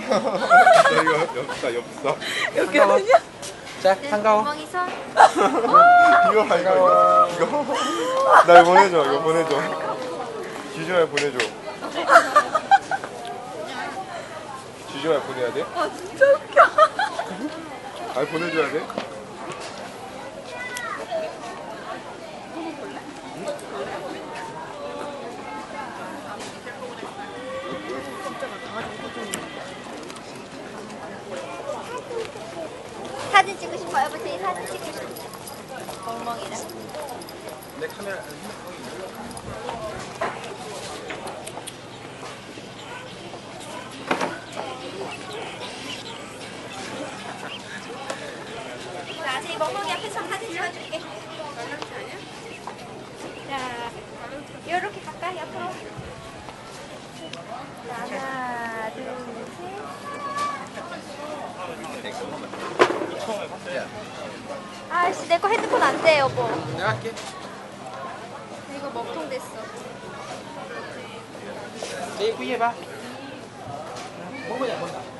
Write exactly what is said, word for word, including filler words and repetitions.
나 이거 엽사 엽사. 여기는요? 자, 한가워. 엉망이 선. 이거 봐 이거 이거 이거. 나 이거 보내줘 이거 보내줘. 지주야 보내줘. 지주야 보내야 돼? 아 진짜 웃겨. 아니 보내줘야 돼? 사진 찍고 싶어요. 여보세요. 사진 찍고 싶어. 멍멍이랑. 내 카메라. 자, 제 멍멍이 앞에서 사진 찍어줄게. 자, 요렇게 가까이 옆으로. 자, 하나, 둘, 셋. 아씨, 내 거 핸드폰 안 돼, 여보. 내가 할게. 이거 먹통 됐어. 내 예쁘게 해봐. 먹어야 먹어.